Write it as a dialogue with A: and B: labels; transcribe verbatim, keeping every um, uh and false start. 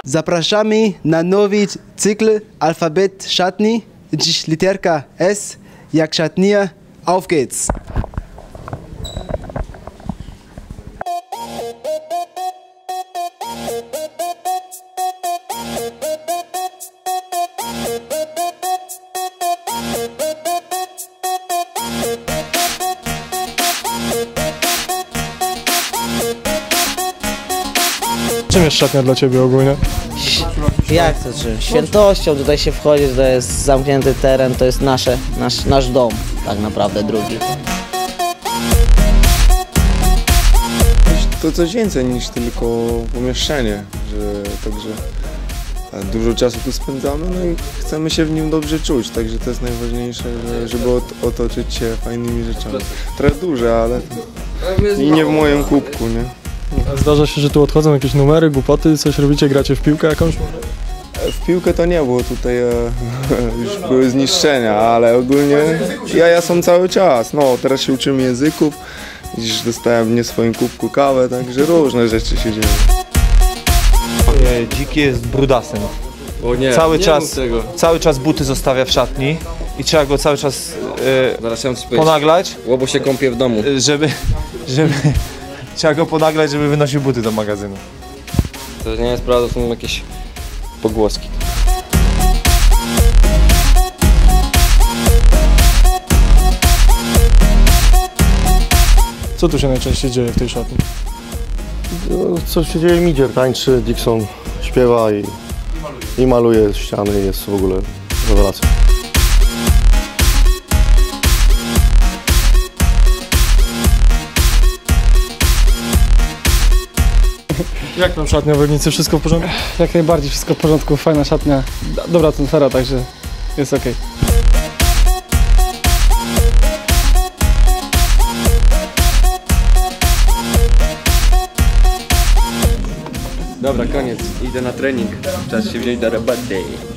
A: Zapraszamy na nowy cykl Alfabet Szatni. Dziś literka S jak szatnia. Auf geht's!
B: Czym jest szatnia dla Ciebie ogólnie?
C: Jak to czym? Świętością, tutaj się wchodzi, to jest zamknięty teren, to jest nasze, nasz, nasz dom, tak naprawdę drugi.
D: To coś więcej niż tylko pomieszczenie, że także dużo czasu tu spędzamy, no i chcemy się w nim dobrze czuć, także to jest najważniejsze, że, żeby otoczyć się fajnymi rzeczami. Trochę duże, ale i nie w moim kubku, nie?
B: Zdarza się, że tu odchodzą jakieś numery, głupoty, coś robicie, gracie w piłkę jakąś?
D: W piłkę to nie było, tutaj e, już były zniszczenia, ale ogólnie jaja są cały czas. No, teraz się uczymy języków, dziś dostałem w nie swoim kubku kawę, także różne rzeczy się dzieją.
E: Dziki jest brudasem.
F: O nie,
E: cały,
F: nie
E: czas, cały czas buty zostawia w szatni i trzeba go cały czas e,
F: Zaraz chciałem coś
E: ponaglać,
F: Łobo się kąpie w domu.
E: żeby, żeby trzeba go ponaglać, żeby wynosił buty do magazynu.
F: To nie jest prawda, to są jakieś pogłoski.
B: Co tu się najczęściej dzieje w tej szatni?
G: No, co się dzieje, Midzier tańczy, Dixon śpiewa i, i maluje ściany, jest w ogóle rewelacja.
B: Jak tam szatnia w Legnicy? Wszystko w porządku?
H: Jak najbardziej, wszystko w porządku, fajna szatnia, dobra atmosfera, także jest ok.
F: Dobra, koniec. Idę na trening. Czas się wziąć do roboty.